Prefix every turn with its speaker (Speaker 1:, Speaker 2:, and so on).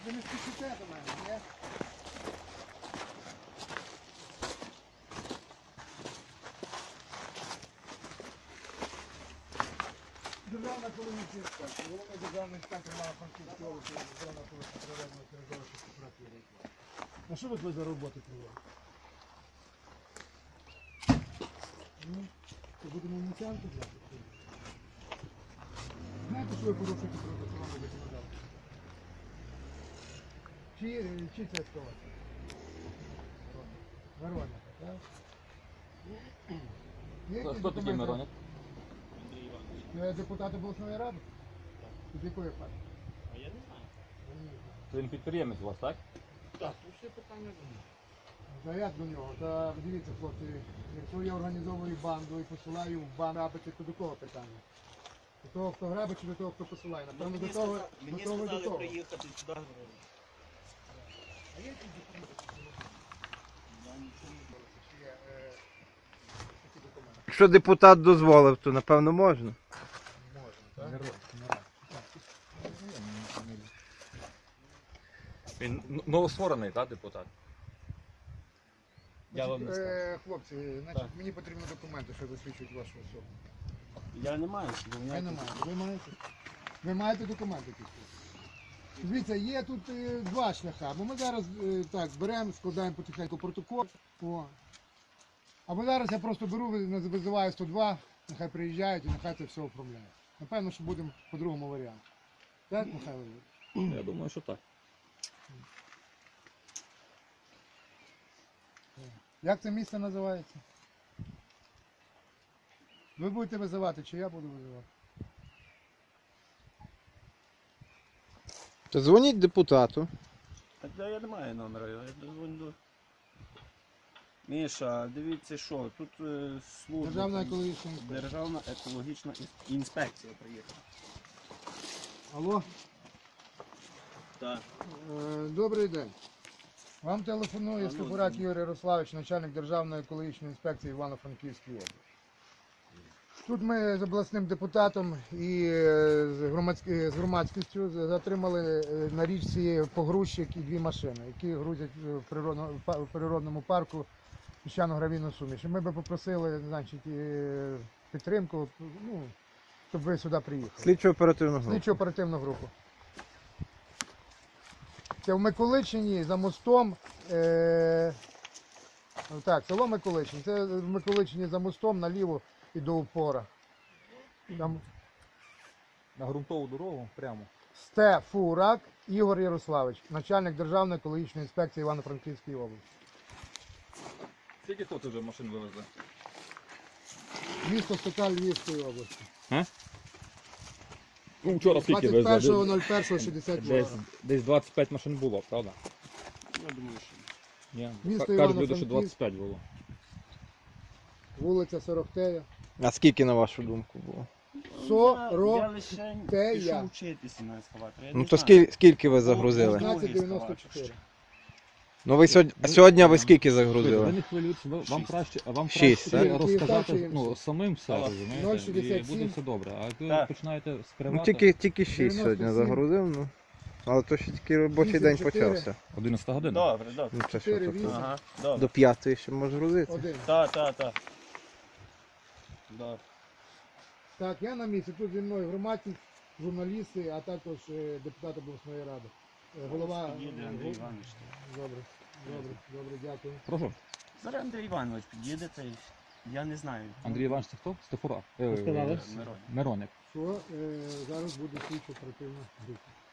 Speaker 1: Ви не спішите до мене, ні? Державна екологічна інспекція. Головний державний інспектор Івано-Франківської області, державна екологічна природна середовища кооперативу. А що ви за роботи проводите? Це будемо ініціанти взяти? Знаєте, що ви порушуєте природоохоронне законодавство? Чи це ескалація? Мироненко, так?
Speaker 2: Хто такий Мироненко?
Speaker 3: Андрій Іванович.
Speaker 1: Депутат обласної ради? Від якої партії?
Speaker 3: А я не знаю.
Speaker 2: Він підприємець у вас, так?
Speaker 3: Так, тут все питання до мене.
Speaker 1: Та як до нього? Та дивіться, хлопці, якщо я організовую банду і посилаю в банду грабити, то до кого питання? До того, хто грабить, чи до того, хто посилає? Напевно, до того,
Speaker 3: Мені
Speaker 1: до того і до
Speaker 3: сказали
Speaker 1: того.
Speaker 3: приїхати сюди.
Speaker 1: А є якісь документи?
Speaker 3: Я нічого не знаю.
Speaker 1: Чи є такі документи?
Speaker 4: Якщо депутат дозволив, то напевно можна.
Speaker 1: Можна, так?
Speaker 2: Він новостворений, так, депутат? Я вам не скажу.
Speaker 1: Хлопці, значить, мені потрібні документи, що засвідчують вашу особу.
Speaker 3: Я не маю, бо в
Speaker 1: Ви
Speaker 3: мене
Speaker 1: не маєте. Ви маєте? Ви маєте документи якісь? Дивіться, є тут два шляхи. Або ми зараз так беремо, складаємо потихеньку протокол. О. Або зараз я просто беру, визиваю 102, нехай приїжджають і нехай це все оформляють. Напевно, що будемо по другому варіанту. Так, Михайло Юрійович?
Speaker 2: Я думаю, що так.
Speaker 1: Як це місце називається? Ви будете визивати, чи я буду визивати?
Speaker 4: То дзвоніть депутату.
Speaker 3: Так я не маю номера, я дозвоню до... Міша, дивіться що, тут служба...
Speaker 1: Державна екологічна інспекція.
Speaker 3: Державна екологічна інспекція приїхала.
Speaker 1: Алло?
Speaker 3: Так.
Speaker 1: Добрий день. Вам телефонує Стефурак Юрій Ярославович, начальник Державної екологічної інспекції Івано-Франківської області. Тут ми з обласним депутатом і з громадськістю затримали на річці погрузчик і дві машини, які грузять в природному парку піщано-гравійну суміш. І ми би попросили, значить, підтримку, ну, щоб ви сюди приїхали.
Speaker 4: Слідчо-оперативну групу.
Speaker 1: Слідчо-оперативну групу. Це в Миколичині за мостом, так, село Миколичин, це в Миколичині за мостом наліво і до упора. Там
Speaker 2: На ґрунтову дорогу прямо.
Speaker 1: Стефурак Ігор Ярославович, начальник Державної екологічної інспекції Івано-Франківської області.
Speaker 2: Скільки тут вже машин вивезли?
Speaker 1: Місто Стокаль Львівської області.
Speaker 2: Ну, вчора скільки вивезли?
Speaker 1: 21.01.62.
Speaker 2: Десь 25 машин було, правда?
Speaker 3: Я думаю, що...
Speaker 2: Ні.
Speaker 1: Місто
Speaker 2: Кажуть люди, що
Speaker 1: Івано-Франківськ.
Speaker 2: 25 було.
Speaker 1: Вулиця Сорохтея.
Speaker 4: А скільки, на вашу думку, було?
Speaker 3: Я лише пішов вчитися на ескаваторі.
Speaker 4: Ну то скільки ви загрузили?
Speaker 1: 1594.
Speaker 4: Ну ви сьогодні ви скільки
Speaker 2: Ви
Speaker 4: загрузили?
Speaker 2: не хвилюйтесь, вам краще
Speaker 4: Шість,
Speaker 2: краще
Speaker 1: так?
Speaker 2: розказати
Speaker 1: Київстар
Speaker 2: самим все, розумієте,
Speaker 1: 0,67.
Speaker 2: і буде все добре. А ви
Speaker 3: Так.
Speaker 2: починаєте
Speaker 4: Ну
Speaker 2: скривати.
Speaker 4: тільки 6 сьогодні
Speaker 1: 97.
Speaker 4: загрузив, ну. Але то ще тільки робочий день
Speaker 1: 84.
Speaker 4: почався.
Speaker 2: 11 година.
Speaker 3: Добре, добре.
Speaker 4: Ну це що
Speaker 1: 4,
Speaker 4: тут?
Speaker 1: 8.
Speaker 3: Ага, добре.
Speaker 4: До 5 ще може грузити.
Speaker 1: Один.
Speaker 3: Так. Добре.
Speaker 1: Так, я на місці. Тут зі мною громадськість, журналісти, а також депутат обласної ради. Голова...
Speaker 3: Під'їде Андрій Іванович.
Speaker 1: Добре, дякую.
Speaker 2: Прошу.
Speaker 3: Зараз Андрій Іванович під'їде, та й я не знаю.
Speaker 2: Андрій Іванович, це хто? Стефура.
Speaker 3: Мирон.
Speaker 2: Мироник.
Speaker 1: Що зараз буде слідчо оперативна група.